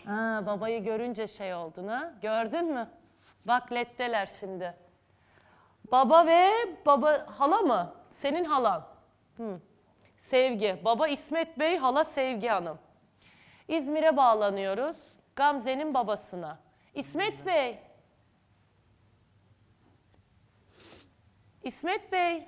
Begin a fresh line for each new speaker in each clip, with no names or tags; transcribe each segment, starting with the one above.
Ha, babayı görünce şey oldun ha. Gördün mü? Bak leddeler şimdi. Baba ve baba hala mı? Senin halan. Sevgi. Baba İsmet Bey, hala Sevgi Hanım. İzmir'e bağlanıyoruz. Gamze'nin babasına. İsmet Bey. İsmet Bey.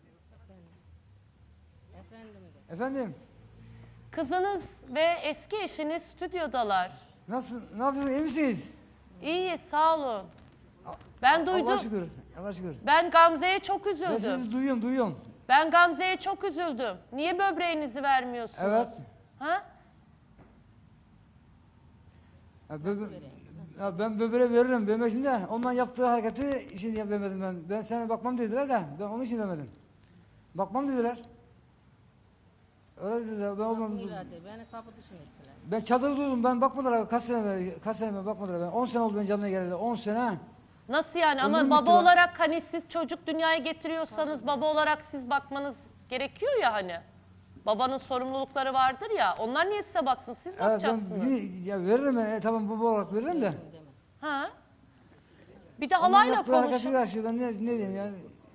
Efendim?
Kızınız ve eski eşiniz stüdyodalar.
Nasıl? Ne yapıyorsunuz? İyi misiniz?
İyi, sağ olun. Ben duydum.
Allah'a şükür. Allah'a şükür.
Ben Gamze'ye çok
Ben
üzüldüm.
sizi duyuyorum.
Ben Gamze'ye çok üzüldüm. Niye böbreğinizi vermiyorsunuz?
Evet.
Ha?
Ben böbreği veririm. Vermek de ondan yaptığı hareketi için vermedim ben. Ben sana bakmam dediler de ben onun için vermedim. Bakmam dediler. Öyle dediler. Ben olmam.
Beni kapı dışına ettiler.
Ben çadır durdum. Ben bakmadılar. Kaç sene bakmadılar. Ben 10 sene oldu ben canına geleli. 10 sene.
Nasıl yani? Ama
Ömrüm
baba
bitti lan.
olarak hani siz çocuk dünyaya getiriyorsanız baba olarak siz bakmanız gerekiyor ya hani. Babanın sorumlulukları vardır ya. Onlar niye size baksın? Siz
Evet, ben
bakacaksınız.
ya veririm ben. Tamam baba olarak veririm de.
Ha? Bir de
Ondan
halayla
yaptığı hareketi
konuşun.
karşı ben ne diyeyim ya.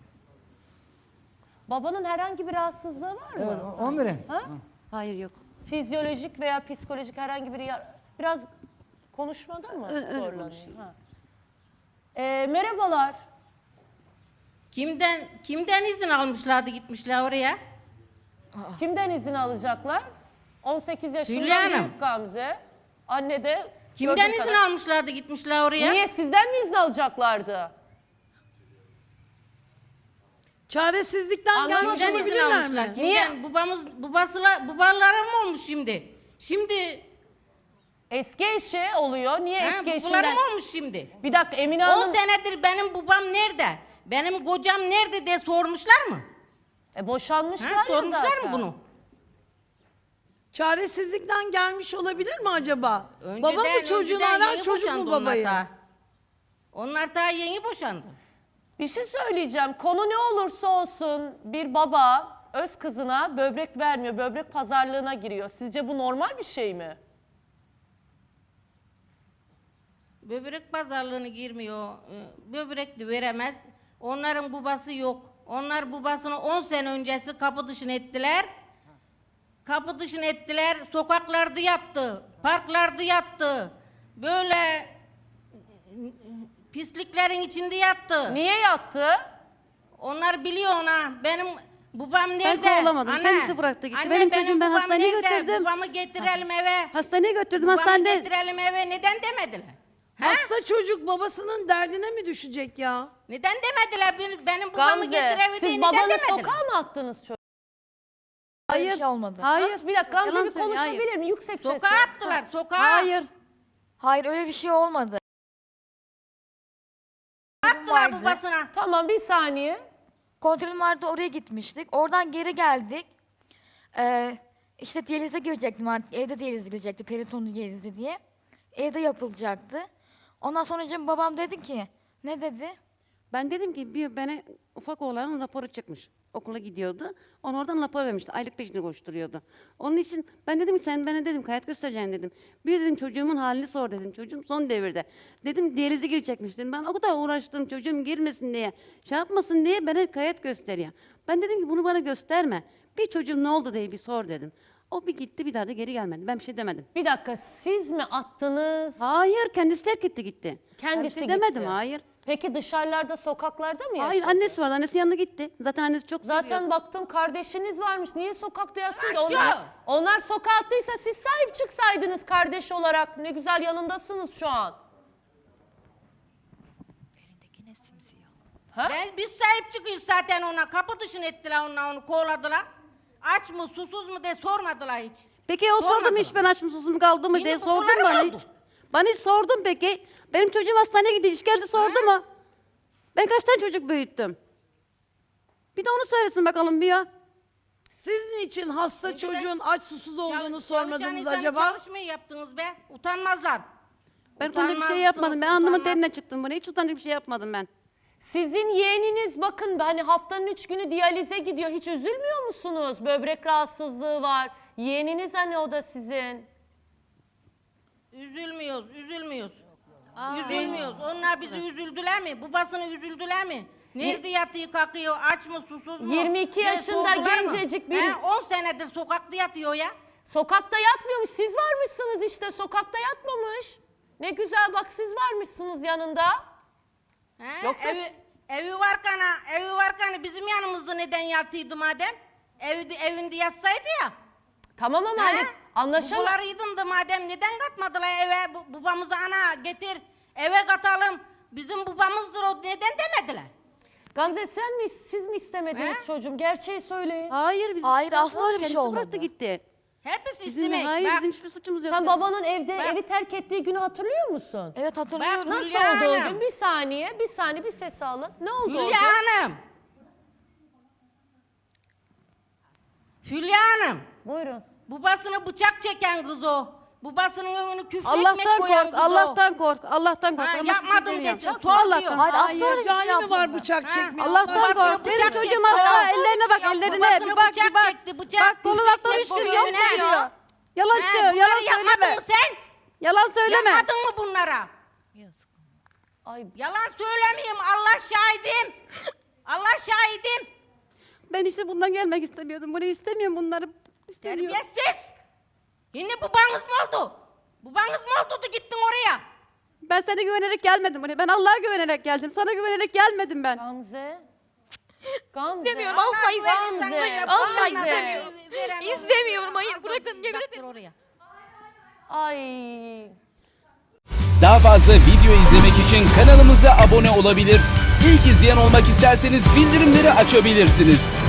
Babanın herhangi bir rahatsızlığı var mı?
Evet, onu vereyim.
Ha?
Hayır yok.
Fizyolojik veya psikolojik herhangi bir biraz konuşmada mı
Öyle
zorlanıyor?
konuşuyor.
Ha. Merhabalar.
Kimden izin almışlardı gitmişler oraya?
Kimden izin alacaklar? 18 yaşında
Hülya Hanım.
büyük Gamze. Anne de
Kimden
gördüğüm
izin
kadar-
almışlardı gitmişler oraya?
Niye? Sizden mi izin alacaklardı?
Çaresizlikten
Anlamadım.
gelmiş
Kimden izin
olabilirler
almışlar?
mi?
Kimden? Babalara mı olmuş şimdi? Şimdi
Eski eşi oluyor. Niye eski
babalara
eşinden?
mı olmuş şimdi?
Bir dakika Emine
10
Hanım.
senedir benim babam nerede? Benim kocam nerede diye sormuşlar mı?
Boşanmışlar ya
Sormuşlar
zaten.
mı bunu?
Çaresizlikten gelmiş olabilir mi acaba? Baba mı
Önceden
çocuğunu arar,
yeni
çocuk
boşandı
mu
onlar
babayı?
daha. Onlar daha yeni boşandı.
Bir şey söyleyeceğim. Konu ne olursa olsun bir baba öz kızına böbrek vermiyor. Böbrek pazarlığına giriyor. Sizce bu normal bir şey mi?
Böbrek pazarlığını girmiyor. Böbrek de veremez. Onların babası yok. Onlar babasını 10 sene öncesi kapı dışına ettiler. Kapı dışına ettiler. Sokaklarda yattı. Parklarda yattı. Böyle pisliklerin içinde yattı.
Niye yattı?
Onlar biliyor ona. Benim babam nerede?
kovlamadım. Kendisi bıraktı gitti.
Anne,
Benim çocuğum, ben
babam
hastaneye
nerede?
götürdüm.
Babamı getirelim eve.
Hastaneye götürdüm.
Babamı
Hastanede
getirelim eve. Neden demediler? Ha?
Hasta çocuk babasının derdine mi düşecek ya?
Neden demediler? Benim babamı
Gamze,
getiremedi.
siz
Neden
babanı
demediler?
sokağa mı attınız çocuğu?
hayır.
Bir şey olmadı.
Hayır.
Bir dakika Gamze
Yalan
bir
söylüyor, hayır.
konuşabilir mi? Yüksek sesle.
Sokağa attılar. Sokağa.
Hayır.
Hayır öyle bir şey olmadı.
Attılar
vardı.
babasına.
Tamam bir saniye.
Kontrolüm vardı oraya gitmiştik. Oradan geri geldik. İşte diyalize girecektim artık. Evde diyaliz girecekti. Peritonlu diyalizi diye. Evde yapılacaktı. Ondan sonra babam dedi ki ne dedi?
Ben dedim ki bana ufak oğlanın raporu çıkmış. Okula gidiyordu. Onu oradan rapor vermişti. Aylık peşinde koşturuyordu. Onun için ben dedim ki sen bana dedim kayıt göstereceksin dedim. Bir dedim çocuğumun halini sor dedim. Çocuğum son devirde. Dedim diyalize girecekmiş dedim. Ben o kadar uğraştım çocuğum girmesin diye. Şey yapmasın diye bana kayıt gösteriyor. Ben dedim ki bunu bana gösterme. Bir çocuğum ne oldu diye bir sor dedim. O bir gitti bir daha da geri gelmedi. Ben bir şey demedim.
Bir dakika siz mi attınız?
Hayır kendisi terk etti gitti.
Kendisi
ben bir şey demedim
gitti.
hayır.
Peki dışarılarda sokaklarda mı yaşadı?
Hayır annesi vardı. Annesi yanına gitti. Zaten annesi çok
Zaten
seviyordu.
baktım kardeşiniz varmış. Niye sokakta yatsın ki?
Açıyor.
Onlar sokağa attıysa siz sahip çıksaydınız kardeş olarak. Ne güzel yanındasınız şu an. Ha?
Biz sahip çıkıyoruz zaten ona. Kapı dışına ettiler onu kovladılar. Aç mı susuz mu diye sormadılar hiç.
Peki o sordum
Sormadım.
hiç ben aç mı susuz mu kaldı mı
Yine
diye
kokuları
sordun bana
oldu.
hiç. Bana hiç sordun peki. Benim çocuğum hastaneye gidiyor hiç geldi sordu mu? Ben kaç tane çocuk büyüttüm? Bir de onu söylesin bakalım bir ya.
Siz niçin hasta
Önceden
çocuğun aç susuz olduğunu
Çalışan
sormadınız
insanı
acaba?
çalışmayı yaptınız be. Utanmazlar.
Ben utanacak bir şey
Utanmazsınız,
yapmadım. Ben alnımın
utanmaz.
terine çıktım buraya. Hiç utanacak bir şey yapmadım ben.
Sizin yeğeniniz bakın hani haftanın 3 günü diyalize gidiyor. Hiç üzülmüyor musunuz? Böbrek rahatsızlığı var. Yeğeniniz hani o da sizin.
Üzülmüyoruz. Üzülmüyoruz. Onlar bizi üzüldüler mi? Babasını üzüldüler mi? Nerede yatıyor, kalkıyor, aç mı, susuz mu?
22 yaşında
sordular mı?
gencecik bir-
10 senedir sokakta yatıyor ya.
Sokakta yatmıyormuş. Siz varmışsınız işte. Sokakta yatmamış. Ne güzel bak siz varmışsınız yanında.
He?
Yoksa
evi varken bizim yanımızda neden yatıyordu madem? Evinde yatsaydı ya.
Tamam ama hani anlaşalım.
Babalarıydın da madem neden katmadılar eve? Babamızı ana getir eve katalım. Bizim babamızdır o neden demediler?
Gamze siz mi istemediniz
He?
çocuğum? Gerçeği söyleyin.
Hayır biz
Hayır, asla öyle bir şey
kendisi
olmadı.
bıraktı gitti.
Hepsi
Bizim,
istemek.
hayır
Bak,
bizim hiçbir suçumuz yok.
Sen babanın evi
Ben-
terk ettiği günü hatırlıyor musun?
Evet hatırlıyorum.
Bak,
Nasıl
Hülya
oldu o
Hanım.
gün? Bir saniye bir ses alın. Ne oldu o gün?
Hülya Hanım. Hülya Hanım.
Buyurun.
Babasını bıçak çeken kız o. Babasının önünü küfür ekmek
Allah'tan
koyan
kork,
kız o.
Allah'tan kork, Allah'tan kork.
Ha,
Ama hiçbir şey
yapmadım
demiyorum.
desin.
Çok
Tuhaf diyor.
Allah'tan.
Hayır asla öyle bir şey
Cani mi var
yapmadı.
bıçak
Ha,
çekmiyor?
Allah'tan
Babasını
kork. Benim
bıçak
çocuğum
çekti.
hasta,
Allah'tan
ellerine bak,
yapmadı.
ellerine.
Babasını
Bir bak,
bıçak
bir bak.
çekti, bıçak
Bak kolundan
küfür
düştü,
ekmek
yalan
koyuyor, ne?
söylüyor. Yalancı,
Bunları
yalan
yapmadın
söyleme.
mı sen?
Yalan söyleme.
Yapmadın mı bunlara?
Ay
Yalan söylemeyeyim Allah şahidim. Allah şahidim.
Ben işte bundan gelmek istemiyordum. Bunu istemiyorum bunları. İstemiyorum.
Terbiyesiz. Yine babanız mı oldu? Babanız mı oldu da gittin oraya?
Ben sana güvenerek gelmedim buraya. Ben Allah'a güvenerek geldim. Sana güvenerek gelmedim ben.
Gamze. Gamze.
İstemiyorum, asla istemiyorum.
Gamze.
Asla
Gamze.
istemiyorum. İstemiyorum, hayır, bırakın, yemin ederim.
Oraya.
Ay.
Daha fazla video izlemek için kanalımıza abone olabilir. İlk izleyen olmak isterseniz bildirimleri açabilirsiniz.